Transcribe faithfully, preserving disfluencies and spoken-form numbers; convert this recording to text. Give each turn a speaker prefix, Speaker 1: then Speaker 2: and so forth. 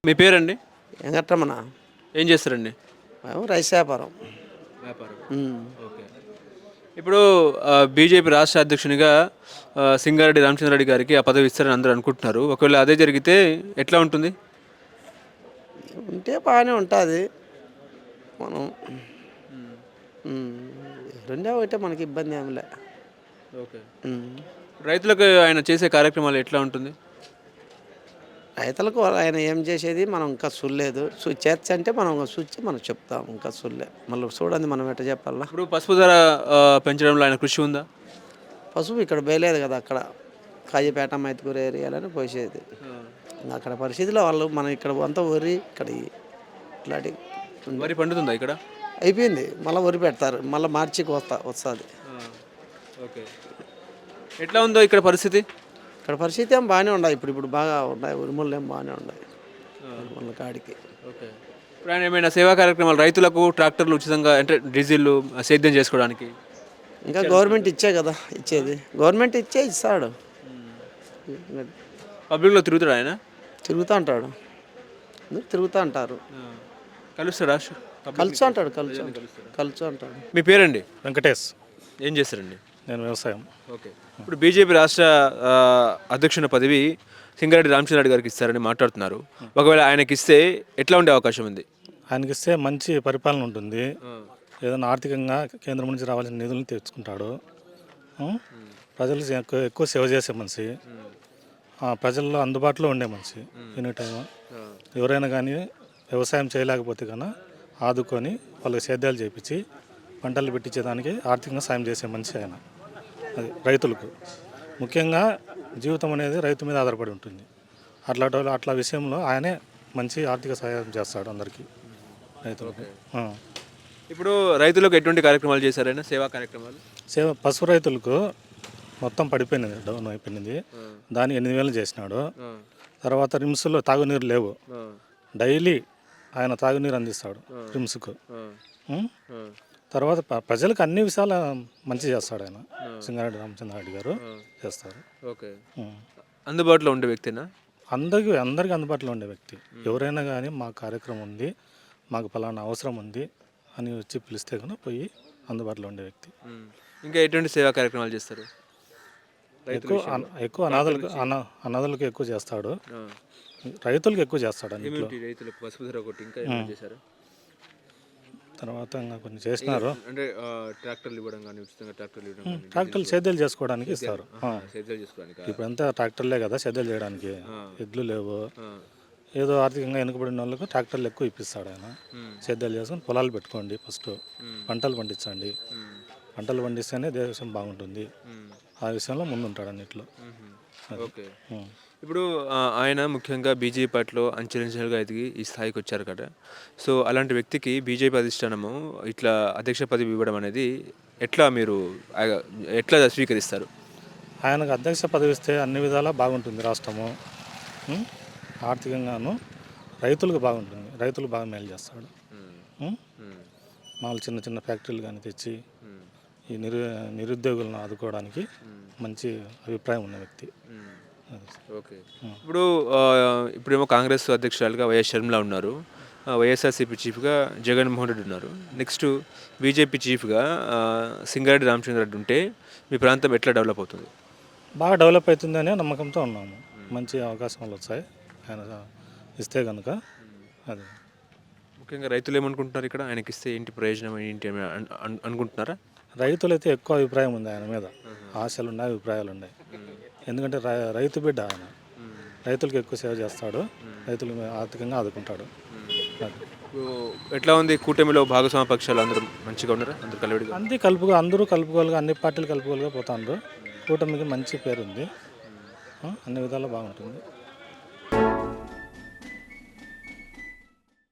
Speaker 1: మీ పేరండి?
Speaker 2: వెంకటరమణ.
Speaker 1: ఏం చేస్తారండి?
Speaker 2: మేము రైస్ వ్యాపారం.
Speaker 1: వ్యాపారం.
Speaker 2: ఉమ్.
Speaker 1: ఓకే. ఇప్పుడు ఆహ్, బీజేపీ రాష్ట్ర అధ్యక్షునిగా ఆహ్, సింగారెడ్డి రామచంద్రారెడ్డి గారికి ఆ పదవి ఇస్తారని అందరూ అనుకుంటున్నారు. ఒకవేళ అదే జరిగితే ఎట్లా ఉంటుంది?
Speaker 2: ఉంటే బాగానే ఉంటుంది. మనం ఉమ్, రెండో ఒకటే మనకి ఇబ్బంది ఏమిలే.
Speaker 1: ఓకే.
Speaker 2: ఉమ్.
Speaker 1: రైతులకు ఆయన చేసే కార్యక్రమాలు ఎట్లా ఉంటుంది?
Speaker 2: రైతులకు ఆయన ఏం చేసేది మనం ఇంకా చూడలేదు. చూ చేర్చి అంటే మనం చూచి మనం చెప్తాం. ఇంకా చూడలే. మళ్ళీ చూడండి మనం ఎట్లా చెప్పాలా.
Speaker 1: ఇప్పుడు పసుపు ధర ఆహ్, పెంచడంలో ఆయన కృషి ఉందా?
Speaker 2: పసుపు ఇక్కడ వేయలేదు కదా. అక్కడ కాజీపేట మైతుకూరు ఏరియాలని పోసేది. ఇంకా అక్కడ పరిస్థితిలో వాళ్ళు మనం ఇక్కడ అంతా వరి ఇక్కడ ఈ- ఇట్లాంటి ఉంది.
Speaker 1: వరి పండుతుందా ఇక్కడ?
Speaker 2: అయిపోయింది. మళ్ళీ వరి పెడతారు. మళ్ళీ మార్చికి వస్తా వస్తుంది.
Speaker 1: ఓకే. ఎట్లా ఉందో ఇక్కడ పరిస్థితి?
Speaker 2: ఇక్కడ పరిస్థితి ఏం బాగానే ఉన్నాయి. ఇప్పుడు ఇప్పుడు బాగా ఉన్నాయి. ఉరుములు ఏం బాగానే ఉన్నాయి ఉరుముల కాడికి.
Speaker 1: ఓకే. ఇప్పుడు ఆయన ఏమైనా సేవా కార్యక్రమాలు రైతులకు ట్రాక్టర్లు ఉచితంగా అంటే డీజిల్ సేద్యం చేసుకోవడానికి
Speaker 2: ఇంకా గవర్నమెంట్ ఇచ్చే కదా ఇచ్చేది. గవర్నమెంట్ ఇచ్చే ఇస్తాడు.
Speaker 1: పబ్లిక్లో తిరుగుతాడు ఆయన?
Speaker 2: తిరుగుతూ ఉంటాడు. అందరూ తిరుగుతూ అంటారు.
Speaker 1: కలుస్తాడా?
Speaker 2: కలుసు అంటాడు. కలుసు కలుసు అంటాడు.
Speaker 1: మీ పేరండి?
Speaker 3: వెంకటేష్.
Speaker 1: ఏం చేస్తారండి?
Speaker 3: నేను వ్యవసాయం.
Speaker 1: ఓకే. ఇప్పుడు బీజేపీ రాష్ట్ర ఆ, అధ్యక్షుని పదవి సింగారెడ్డి రామచంద్రారెడ్డి గారికి ఇస్తారని మాట్లాడుతున్నారు. ఒకవేళ ఆయనకి ఇస్తే ఎట్లా ఉండే అవకాశం ఉంది?
Speaker 3: ఆయనకి ఇస్తే మంచి పరిపాలన ఉంటుంది. ఏదైనా ఆర్థికంగా కేంద్రం నుంచి రావాల్సిన నిధులను తెచ్చుకుంటాడు. ఉం? ప్రజలకు ఎక్కువ ఎక్కువ సేవ చేసే మనిషి. ఆ, ప్రజల్లో అందుబాటులో ఉండే మనిషి. ఎనీ టైం ఎవరైనా కానీ వ్యవసాయం చేయలేకపోతే కన్నా ఆదుకొని వాళ్ళకి సేద్యాలు చేయించి పంటలు పెట్టించేదానికి ఆర్థికంగా సాయం చేసే మనిషి ఆయన. అది రైతులకు ముఖ్యంగా జీవితం అనేది రైతు మీద ఆధారపడి ఉంటుంది. అట్లా అట్లా విషయంలో ఆయనే మంచి ఆర్థిక సహాయం చేస్తాడు అందరికీ రైతులకు. ఆ.
Speaker 1: ఇప్పుడు రైతులకు ఎటువంటి కార్యక్రమాలు చేశారైనా సేవా కార్యక్రమాలు?
Speaker 3: సేవ పశు రైతులకు మొత్తం పడిపోయినది, డౌన్ అయిపోయినది. దాన్ని ఎనిమిది వేలు చేసినాడు. తర్వాత రిమ్స్లో తాగునీరు లేవు. డైలీ ఆయన తాగునీరు అందిస్తాడు రిమ్స్కు. ఉం? తర్వాత ప- ప్రజలకు అన్ని విషయాలు మంచి చేస్తాడు ఆయన. సింగారెడ్డి రామచంద్రారెడ్డి గారు చేస్తారు.
Speaker 1: ఓకే.
Speaker 3: ఉం.
Speaker 1: అందుబాటులో ఉండే వ్యక్తినా?
Speaker 3: అందరికీ అందరికీ అందుబాటులో ఉండే వ్యక్తి. ఎవరైనా కానీ మా కార్యక్రమం ఉంది, మాకు ఫలానా అవసరం ఉంది అని వచ్చి పిలిస్తే కనుక పోయి అందుబాటులో ఉండే వ్యక్తి.
Speaker 1: ఇంకా ఎటువంటి సేవా కార్యక్రమాలు చేస్తారు?
Speaker 3: ఎక్కువ అన- ఎక్కువ అనాథలకు అన అనాథలకు ఎక్కువ చేస్తాడు. రైతులకు ఎక్కువ చేస్తాడు అన్నింటిలో.
Speaker 1: రైతులకు పసుపు ధర ఒకటి ఇంకా ఏమైనా చేశారు?
Speaker 3: తర్వాత ఇంకా కొన్ని చేసినారు.
Speaker 1: అంటే ట్రాక్టర్లు ఇవ్వడం కానీ ఉచితంగా ట్రాక్టర్లు ఇవ్వడం కానీ
Speaker 3: ట్రాక్టర్లు సేద్యాలు చేసుకోవడానికి ఇస్తారు. ఆ.
Speaker 1: సేద్యాలు చేసుకోవడానికి.
Speaker 3: ఇప్పుడంతా ట్రాక్టర్లే కదా సేద్యాలు చేయడానికి. ఎడ్లు లేవు. ఏదో ఆర్థికంగా వెనుకబడిన వాళ్ళకు ట్రాక్టర్లు ఎక్కువ ఇప్పిస్తాడు ఆయన. సేద్యాలు చేసుకొని పొలాలు పెట్టుకోండి, ఫస్ట్ పంటలు పండించండి. పంటలు పండిస్తేనే దేశం బాగుంటుంది. ఆ విషయంలో ముందుంటాడు అన్నిట్లో.
Speaker 1: ఓకే. ఇప్పుడు ఆ, ఆయన ముఖ్యంగా బీజేపీ పార్టీలో అంచెలంచెలుగా ఎదిగి ఈ స్థాయికి వచ్చారు కదా. సో అలాంటి వ్యక్తికి బీజేపీ అధిష్టానము ఇట్లా అధ్యక్ష పదవి ఇవ్వడం అనేది ఎట్లా మీరు ఆ, ఎట్లా స్వీకరిస్తారు?
Speaker 3: ఆయనకు అధ్యక్ష పదవి ఇస్తే అన్ని విధాలా బాగుంటుంది రాష్ట్రము. ఉం? ఆర్థికంగాను రైతులకు బాగుంటుంది. రైతులు బాగా మేలు చేస్తాడు. ఉం? మామూలు చిన్న చిన్న ఫ్యాక్టరీలు కానీ తెచ్చి ఈ నిరు నిరుద్యోగులను ఆదుకోవడానికి మంచి అభిప్రాయం ఉన్న వ్యక్తి.
Speaker 1: ఓకే. ఇప్పుడు ఆ, ఇప్పుడేమో కాంగ్రెస్ అధ్యక్షురాలుగా వైఎస్ షర్మిల ఉన్నారు. ఆ, వైఎస్ఆర్సీపీ చీఫ్గా జగన్మోహన్ రెడ్డి ఉన్నారు. నెక్స్ట్ బీజేపీ చీఫ్గా ఆ, సింగారెడ్డి రామచంద్రారెడ్డి ఉంటే మీ ప్రాంతం ఎట్లా డెవలప్ అవుతుంది?
Speaker 3: బాగా డెవలప్ అవుతుందనే నమ్మకంతో ఉన్నాము. మంచి అవకాశాలు వచ్చాయి ఆయన ఇస్తే కనుక. అది
Speaker 1: ముఖ్యంగా రైతులు ఏమనుకుంటున్నారు ఇక్కడ ఆయనకి ఇస్తే ఏంటి ప్రయోజనం ఏంటి అని అన్- అన్- అనుకుంటున్నారా?
Speaker 3: రైతులైతే ఎక్కువ అభిప్రాయం ఉంది ఆయన మీద. ఆశలు ఉన్నాయి, అభిప్రాయాలు ఉన్నాయి. ఎందుకంటే రై- రైతు బిడ్డ ఆయన. రైతులకు ఎక్కువ సేవ చేస్తాడు. రైతులు ఆర్థికంగా ఆదుకుంటాడు. అది.
Speaker 1: ఇప్పుడు ఎట్లా ఉంది కూటమిలో భాగస్వామ్య పక్షాలు అందరూ మంచిగా ఉన్నారా? అందరూ కలివిడిగా?
Speaker 3: అంతే కలుపుకో అందరూ కలుపుకోలుగా అన్ని పార్టీలు కలుపుకోలుగా పోతాండ్రు. కూటమికి మంచి పేరు ఉంది. ఆ, అన్ని విధాలు బాగుంటుంది.